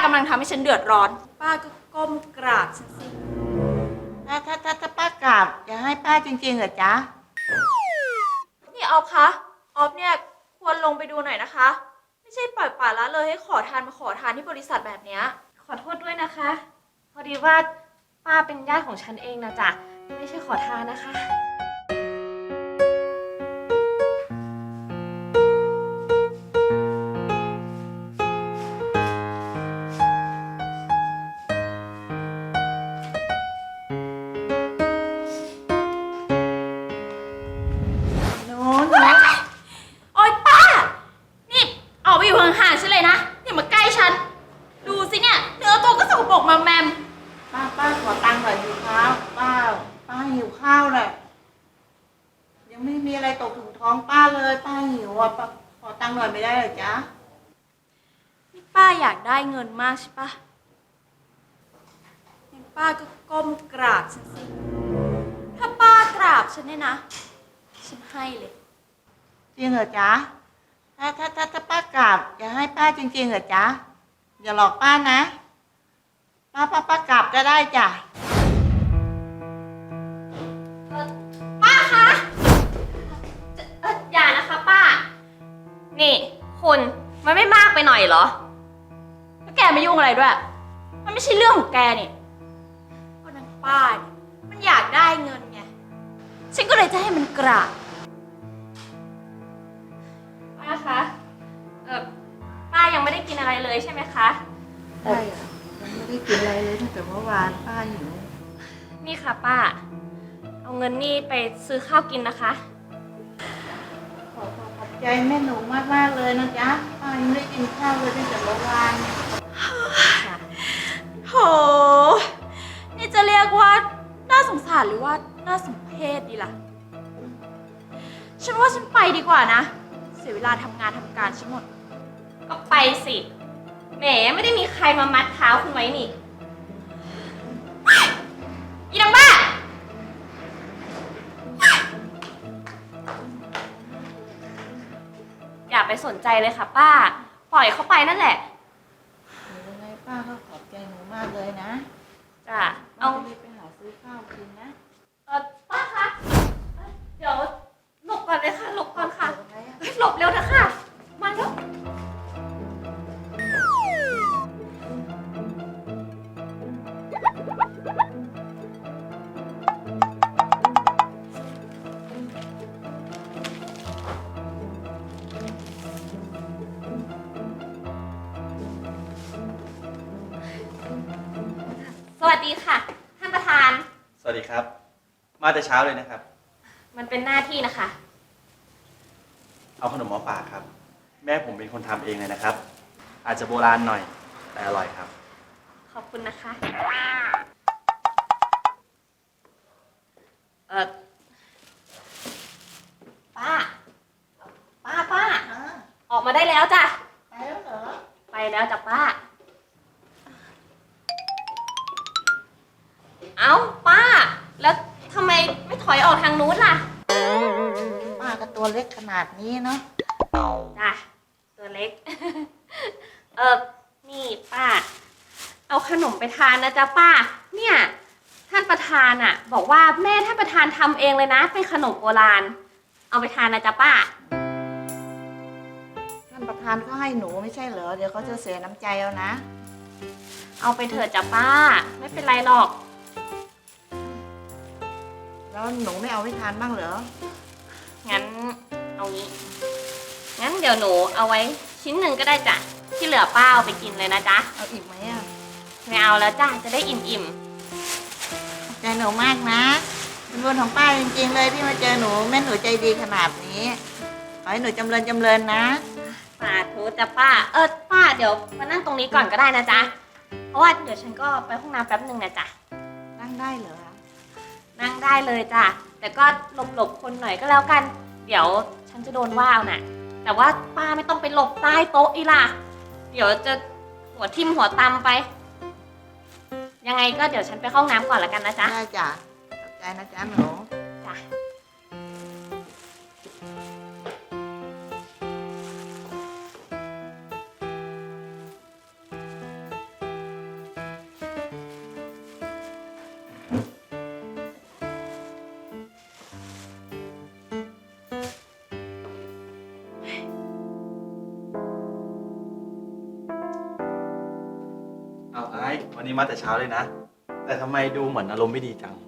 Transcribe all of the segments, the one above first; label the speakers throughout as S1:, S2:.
S1: ากำลังทำให้ฉันเดือดร้อนป้าก็ก้มกราบฉันสิ
S2: ถ้าป้ากราบจะให้ป้าจริงๆเหรอจ๊ะ
S1: นี่ออฟคะออฟเนี่ยควรลงไปดูหน่อยนะคะไม่ใช่ปล่อยปละละเลยให้ขอทานมาขอทานที่บริษัทแบบเนี้ย
S3: ขอโทษด้วยนะคะพอดีว่าป้าเป็นญาติของฉันเองนะจ๊ะไม่ใช่ขอทานนะคะ
S1: โอ๊ยป้านี่ออกไปอยู่ห่างๆฉันเลยนะอย่ามาใกล้ฉันดูสิเนี่ยเนื้อตัวก็สกปรกมาแมม
S2: ป้าขอตังค์หน่อยหิวข้าวป้าหิวข้าวเลยยังไม่มีอะไรตกถึงท้องป้าเลยป้าหิวอ่ะป้าขอตังค์หน่อยไม่ได้เหรอจ๊ะ
S1: นี่ป้าอยากได้เงินมากใช่ปะงั้นป้าก็ก้มกราบฉันสิถ้าป้ากราบฉันเนี่ยนะฉันให้เลย
S2: จริงเหรอจ๊ะถ้าป้ากราบจะให้ป้าจริงๆเหรอจ๊ะอย่าหลอกป้านะป้ากราบก็ได้จ้ะ
S3: ป้าคะอย่านะคะป้านี่คุณมันไม่มากไปหน่อยเหรอ
S1: แล้วแกไม่ยุ่งอะไรด้วยมันไม่ใช่เรื่องของแกนี่ก็นางป้าเนี่ยมันอยากได้เงินไงฉันก็เลยจะให้มันกราบ
S3: ป้าคะป้ายังไม่ได้กินอะไรเลยใช่ไหมคะ
S2: ใช่อะยังไม่ได้กินอะไรเลยตั้งแต่เมื่อวานป้าหิว
S3: นี่ค่ะป้าเอาเงินนี่ไปซื้อข้าวกินนะคะ
S2: ขอบใจแม่หนูมากเลยนะจ๊ะป้ายังไม่ได้กินข้าวเลยตั้งแต่เมื่อวาน
S1: โหนี่จะเรียกว่าน่าสงสารหรือว่าน่าสมเพชดีล่ะฉันว่าฉันไปดีกว่านะเสียเวลาทำงานทำการฉันหมด
S3: ก็ไปสิแหมไม่ได้มีใครมามัดเท้าคุณไว้นี่อีนางบ้าอย่าไปสนใจเลยค่ะป้าปล่อยเขาไปนั่นแหละ
S2: ยังไงป้าก็ขอบใจหนูมากเลยนะ
S3: จ้ะ
S2: เอาไปหาซื้อข้าวกินนะ
S3: ป้าคะเดี๋ยวหลบก่อนเลยค่ะหลบก่อนค่ะหลบเร็วนะคะมาเร็วสวัสดีค่ะท่านประธาน
S4: สวัสดีครับมาแต่เช้าเลยนะครับ
S3: มันเป็นหน้าที่นะคะ
S4: เอาขนมมาฝากครับแม่ผมเป็นคนทำเองเลยนะครับอาจจะโบราณหน่อยแต่อร่อยครับ
S3: ขอบคุณนะคะป้าออกมาได้แล้วจ้ะ
S2: ไปแล้วเหรอ
S3: ไปแล้วจ้ะป้าเอ้าป้าแล้วทำไมไม่ถอยออกทางนู้นล่ะ
S2: ป้าก็ตัวเล็กขนาดนี้เนาะ
S3: จ้ะตัวเล็ก นี่ป้าเอาขนมไปทานนะจ๊ะป้าเนี่ยท่านประธานอ่ะบอกว่าแม่ท่านประธานทำเองเลยนะเป็นขนมโบราณเอาไปทานนะจ๊ะป้า
S2: ท่านประธานเขาให้หนูไม่ใช่เหรอเดี๋ยวเขาจะเสียน้ำใจเอานะ
S3: เอาไปเถอะจ้ะป้าไม่เป็นไรหรอก
S2: แล้วหนูไม่เอาไปทานบ้างเหรอ
S3: งั้นเอางี้งั้นเดี๋ยวหนูเอาไว้ชิ้นหนึ่งก็ได้จ้ะที่เหลือป้าเอาไปกินเลยนะจ๊ะ
S2: เอาอีกไหมอ่ะ
S3: ไม่เอาแล้วจ้ะจะได้อิ่ม
S2: ใจหนูมากนะเป็นบุญของป้าจริงๆเลยที่มาเจอหนูแม่หนูใจดีขนาดนี้ขอให้หนูจำเริญนะ
S3: สาธุจ้ะป้าป้าเดี๋ยวมานั่งตรงนี้ก่อนก็ได้นะจ๊ะเพราะว่าเดี๋ยวฉันก็ไปห้องน้ำแป๊บนึงนะจ๊ะ
S2: นั่งได้เหรอ
S3: นั่งได้เลยจ้ะแต่ก็หลบคนหน่อยก็แล้วกันเดี๋ยวฉันจะโดนว่าเอาน่ะแต่ว่าป้าไม่ต้องไปหลบใต้โต๊ะอีล่ะเดี๋ยวจะหัวทิ่มหัวตำไปยังไงก็เดี๋ยวฉันไปเข้าห้องน้ำก่อนละกันนะจ๊ะ
S2: ได้จ้ะขอบใจนะจ๊ะหนู
S3: จ้ะ
S2: ป
S4: วันนี้มาแต่เช้าเลยนะ แต่ทำไมดูเหมือนอารมณ์ไม่ดีจัง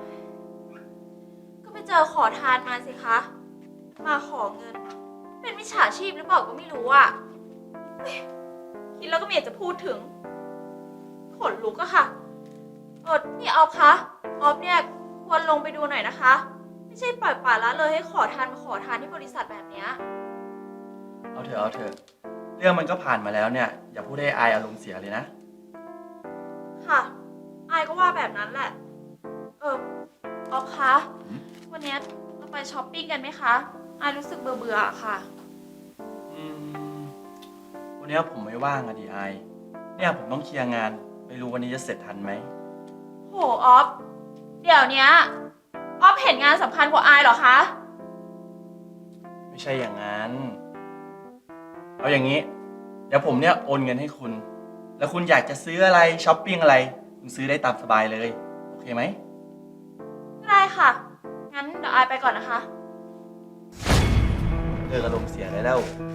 S1: ก็ไปเจอขอทานมาสิคะ มาขอเงิน เป็นมิจฉาชีพหรือเปล่าก็ไม่รู้อะเฮ้ยคิดแล้วก็ไม่อยากจะพูดถึง ขนลุกอะค่ะนี่ออฟคะ ออฟเนี่ยควรลงไปดูหน่อยนะคะ ไม่ใช่ปล่อยปละละเลยให้ขอทานมาขอทานที่บริษัทแบบเนี้ย
S4: เอาเถอะ เรื่องมันก็ผ่านมาแล้วเนี่ย อย่าพูดให้อายอารมณ์เสียเลยนะ
S1: ค่ะ อายก็ว่าแบบนั้นแหละ ออฟคะ วันนี้เราไปช้อปปิ้งกันไหมคะ อายรู้สึกเบื่อๆอะค่ะ
S4: อืมวันนี้ผมไม่ว่างอะดิไอายเนี่ยผมต้องเคลียร์งาน ไม่รู้วันนี้จะเสร็จทันไหม
S1: โหออฟ เดี๋ยวเนี้ยออฟเห็นงานสำคัญกว่าอายเหรอคะ
S4: ไม่ใช่อย่างนั้น เอาอย่างนี้ เดี๋ยวผมเนี่ยโอนเงินให้คุณ แล้วคุณอยากจะซื้ออะไรช้อปปิ้งอะไร คุณซื้อได้ตามสบายเลย โอเคไหม
S1: ได้ค่ะ งั้นเดี๋ยวอายไปก่อนนะคะ
S4: เลิกอารมณ์เสียได้แล้ว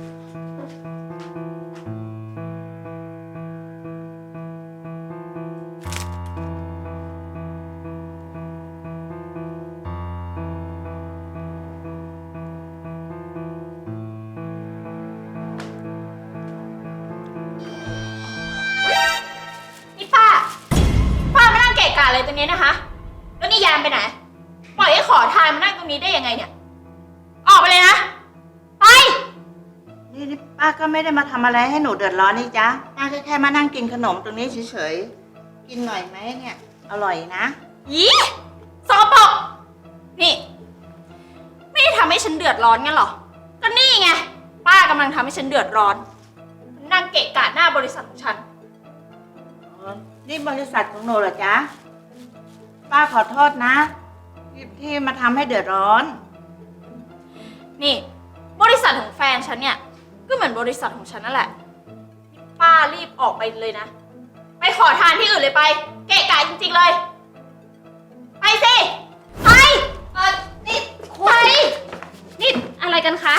S1: นี่ป้ามานั่งเกะกะอะไรตรงนี้นะคะ แล้วนี่ยามไปไหน ปล่อยให้ขอทานมานั่งตรงนี้ได้ยังไงเนี่ย ออกไปเลยนะ ไป
S2: นี่ป้าก็ไม่ได้มาทำอะไรให้หนูเดือดร้อนนี่จ๊ะป้าแค่มานั่งกินขนมตรงนี้เฉยๆกินหน่อยไหมเนี่ย อร่อยนะ
S1: ยีสกปรกนี่ ไม่ได้ทำให้ฉันเดือดร้อนงั้นหรอ ก็นี่ไง ป้ากำลังทำให้ฉันเดือดร้อน นั่งเกะกะหน้าบริษัทของฉัน
S2: นี่บริษัทของหนูเหรอจ๊ะป้าขอโทษนะที่มาทำให้เดือดร้อน
S1: นี่ บริษัทของแฟนฉันเนี่ย ก็เหมือนบริษัทของฉันนั่นแหละนี่ป้ารีบออกไปเลยนะ ไปขอทานที่อื่นเลยไป เกะกะจริงๆเลย ไปสิ ไป นี่ไป
S3: นี่อะไรกันคะ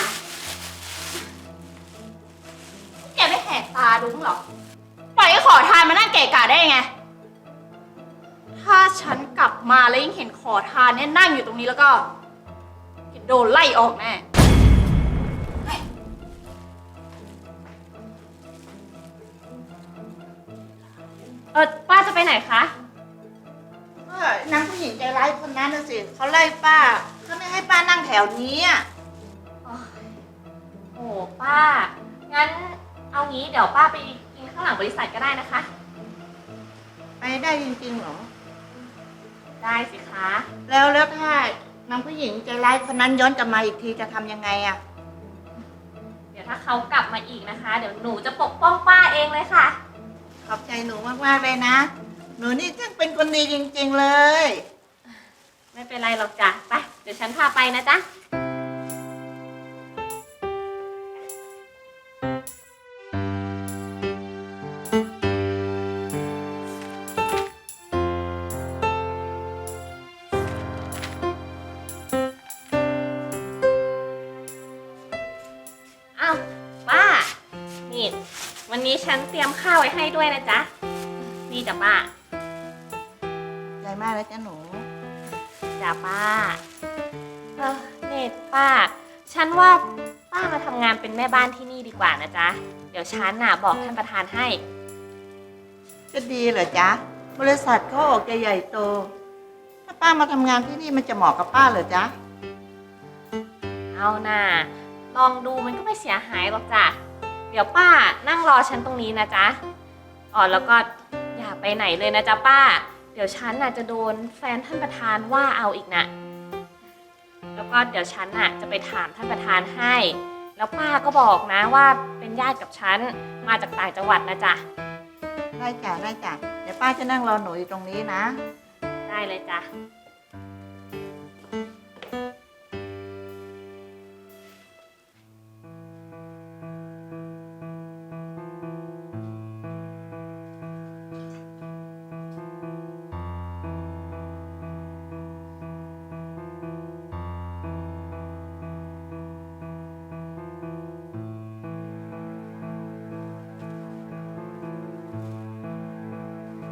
S1: แกไม่แหกตาดูมั้งหรอ ปล่อยให้ขอทานมานั่งเกะกะได้ยังไง ถ้าฉันกลับมาแล้วยังเห็นขอทานเนี่ยนั่งอยู่ตรงนี้แล้วก็แกโดนไล่ออกแน่
S3: ป้าจะไปไหนคะ
S2: ก็นางผู้หญิงใจร้ายคนนั้นน่ะสิเขาไล่ป้าเขาไม่ให้ป้านั่งแถวนี้อ่ะ
S3: โอ้ป้า งั้นเอางี้เดี๋ยวป้าไปกินข้างหลังบริษัทก็ได้นะคะ
S2: ไปได้จริงๆเหรอ
S3: ได้สิคะ
S2: แล้วถ้านางผู้หญิงใจร้ายคนนั้นย้อนกลับมาอีกทีจะทำยังไงอ่ะ
S3: เดี๋ยวถ้าเขากลับมาอีกนะคะ เดี๋ยวหนูจะปกป้องป้าเองเลยค่ะ
S2: ขอบใจหนูมากๆเลยนะ หนูนี่ช่างเป็นคนดีจริงๆเลย
S3: ไม่เป็นไรหรอกจ้ะ ไป เดี๋ยวฉันพาไปนะจ๊ะ อ้าวป้า นี่ วันนี้ฉันเตรียมข้าวไว้ให้ด้วยนะจ๊ะ นี่จ้ะป้า
S2: ใจมากแล้วจ้ะหนู
S3: จ้ะป้าเนตป้า ฉันว่าป้ามาทำงานเป็นแม่บ้านที่นี่ดีกว่านะจ๊ะ เดี๋ยวฉันน่ะบอกท่านประธานให้
S2: จะดีเหรอจ๊ะ บริษัทเขาออกจะใหญ่โต ถ้าป้ามาทำงานที่นี่มันจะเหมาะกับป้าเหรอจ๊ะ
S3: เอาน่ะ ลองดูมันก็ไม่เสียหายหรอกจ้ะ เดี๋ยวป้านั่งรอฉันตรงนี้นะจ๊ะ แล้วก็อย่าไปไหนเลยนะจ๊ะป้า เดี๋ยวฉันน่ะจะโดนแฟนท่านประธานว่าเอาอีกนะแล้วก็เดี๋ยวฉันน่ะจะไปถามท่านประธานให้ แล้วป้าก็บอกนะว่าเป็นญาติกับฉันมาจากต่างจังหวัดนะจ๊ะ
S2: ได้จ้ะได้จ้ะ เดี๋ยวป้าจะนั่งรอหนูอยู่ตรงนี้นะ
S3: ได้เลยจ้ะ
S2: น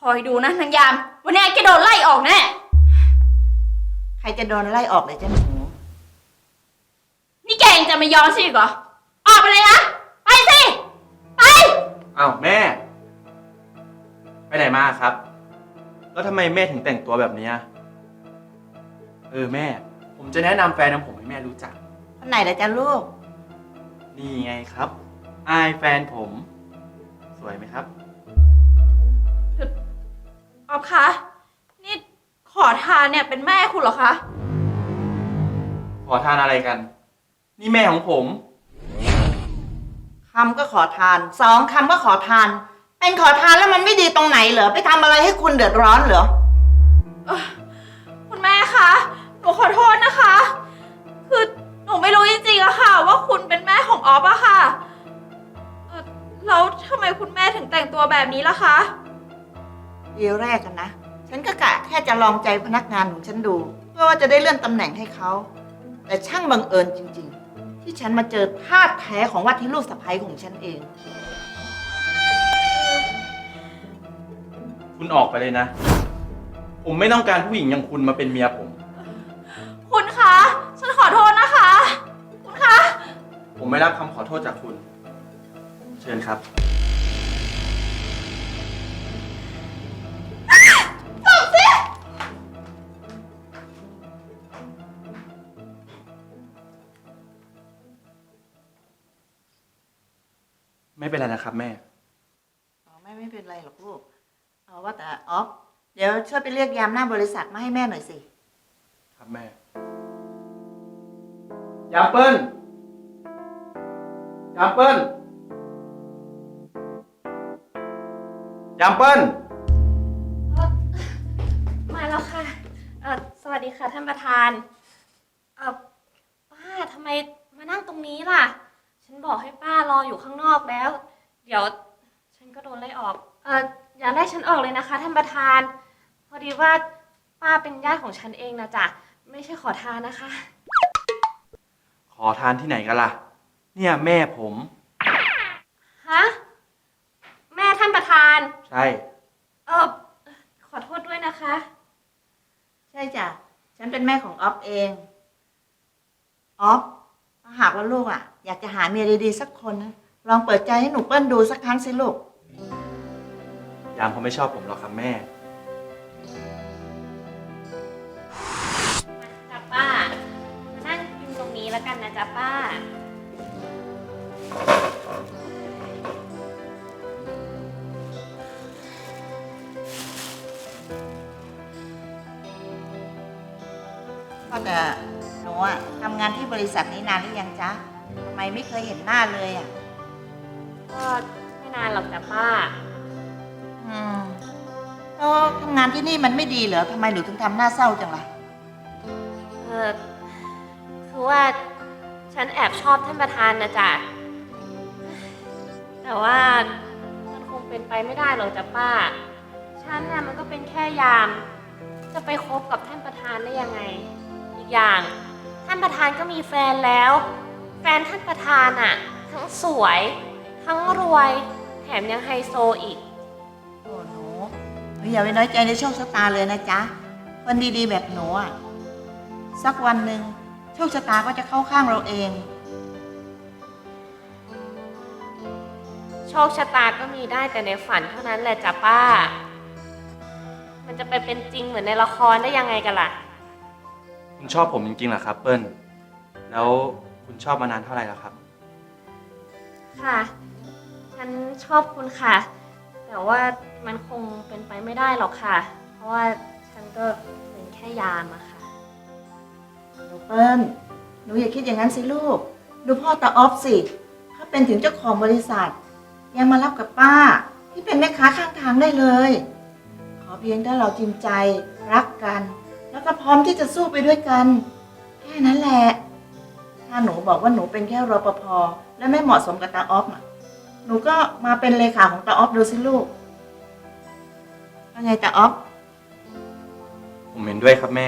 S1: อยดูนะนางยาม วันนี้แกโดนไล่ออกแน่
S2: ใครจะโดนไล่ออกเลยจ้ะหนู
S1: นี่แกยังจะไม่ยอมสิอีกเหรอ ออกไปเลยนะ ไปสิ ไป
S4: อ้าวแม่ ไปไหนมาครับ แล้วทำไมแม่ถึงแต่งตัวแบบเนี้ยแม่ ผมจะแนะนำแฟนของผมให้แม่รู้จัก
S2: คนไหนล่ะจ้ะลูก
S4: นี่ไงครับ อายแฟนผม สวยไหมครับ
S1: ออฟคะ นี่ขอทานเนี่ยเป็นแม่คุณเหรอคะ
S4: ขอทานอะไรกัน นี่แม่ของผม
S2: คำก็ขอทาน สองคำก็ขอทาน เป็นขอทานแล้วมันไม่ดีตรงไหนเหรอ ไปทำอะไรให้คุณเดือดร้อนเหรอ
S1: คุณแม่คะ หนูขอโทษนะคะ คือหนูไม่รู้จริงๆอะค่ะ ว่าคุณเป็นแม่ของออฟอะค่ะแล้วทำไมคุณแม่ถึงแต่งตัวแบบนี้ล่ะคะ
S2: ทีแรกกันนะ ฉันก็กะแค่จะลองใจพนักงานของฉันดู เพื่อว่าจะได้เลื่อนตำแหน่งให้เขา แต่ช่างบังเอิญจริงๆ ที่ฉันมาเจอธาตุแท้ของว่าที่ลูกสะใภ้ของฉันเอง
S4: คุณออกไปเลยนะ ผมไม่ต้องการผู้หญิงอย่างคุณมาเป็นเมียผม
S1: คุณคะ ฉันขอโทษนะคะ คุณคะ
S4: ผมไม่รับคำขอโทษจากคุณ เชิญครับ ไม่เป็นไรนะครับแม่
S2: อ๋อไม่เป็นไรหรอกลูก เอาว่าแต่ออฟ เดี๋ยวช่วยไปเรียกยามหน้าบริษัทมาให้แม่หน่อยสิ
S4: ครับแม่ ยามเปิ้ล ยามเปิ้ล ยามเปิ้ล
S3: มาแล้วค่ะ สวัสดีค่ะท่านประธาน ป้าทำไมมานั่งตรงนี้ล่ะ ฉันบอกให้ป้ารออยู่ข้างนอกแล้ว เดี๋ยวฉันก็โดนไล่ออก อย่าไล่ฉันออกเลยนะคะท่านประธาน พอดีว่าป้าเป็นญาติของฉันเองนะจ๊ะ ไม่ใช่ขอทานนะคะ
S4: ขอทานที่ไหนกันล่ะ เนี่ยแม่ผม
S3: ฮะ แม่ท่านประธาน
S4: ใช่
S3: ขอโทษด้วยนะคะ
S2: ใช่จ้ะ ฉันเป็นแม่ของออฟเอง ออฟ ถ้าหากว่าลูกอยากจะหาเมียดีๆสักคนนะ ลองเปิดใจให้หนูเปิ้ลดูสักครั้งสิลูก
S4: ยามเขาไม่ชอบผมหรอกครับแม่
S3: จ้ะป้า มานั่งกินตรงนี้แล้วกันนะจ๊ะป้า
S2: ก็แต่หนูทำงานที่บริษัทนี้นานหรือยังจ๊ะทำไมไม่เคยเห็นหน้าเลย
S3: ก็ไม่นานหรอกจ้ะป้า
S2: แล้วทำงานที่นี่มันไม่ดีเหรอทำไมหนูถึงทำหน้าเศร้าจังล่ะ
S3: คือว่าฉันแอบชอบท่านประธานนะจ๊ะ แต่ว่ามันคงเป็นไปไม่ได้หรอกจ้ะป้า ฉันน่ะมันก็เป็นแค่ยาม จะไปคบกับท่านประธานได้ยังไง อีกอย่าง ท่านประธานก็มีแฟนแล้ว แฟนท่านประธานอ่ะ ทั้งสวย ทั้งรวย แถมยังไฮโซอีก
S2: โอ้หนูอย่าไปน้อยใจในโชคชะตาเลยนะจ๊ะ คนดีๆแบบหนูสักวันหนึ่งโชคชะตาก็จะเข้าข้างเราเอง
S3: โชคชะตาก็มีได้แต่ในฝันเท่านั้นแหละจ้ะป้า มันจะไปเป็นจริงเหมือนในละครได้ยังไงกันล่ะ
S4: คุณชอบผมจริงๆเหรอครับเปิ้ล แล้วคุณชอบมานานเท่าไหร่แล้วครับ
S3: ค่ะ ฉันชอบคุณค่ะ แต่ว่ามันคงเป็นไปไม่ได้หรอกค่ะ เพราะว่าฉันก็เป็นแค่ยามอะค่ะ
S2: หนูเปิ้ลหนูอย่าคิดอย่างนั้นสิลูก ดูพ่อตาออฟสิเขาเป็นถึงเจ้าของบริษัท ยังมารับกับป้า ที่เป็นแม่ค้าข้างทางได้เลย ขอเพียงถ้าเราจริงใจรักกัน แล้วก็พร้อมที่จะสู้ไปด้วยกัน แค่นั้นแหละ ถ้าหนูบอกว่าหนูเป็นแค่รปภและไม่เหมาะสมกับตาออฟหนูก็มาเป็นเลขาของตาออฟดูสิลูกว่าไงตาออฟ
S4: ผมเห็นด้วยครับแม่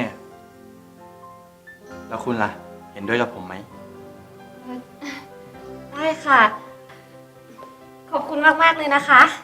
S4: แล้วคุณล่ะ เห็นด้วยกับผมไหม
S3: ได้ค่ะ ขอบคุณมากๆเลยนะคะ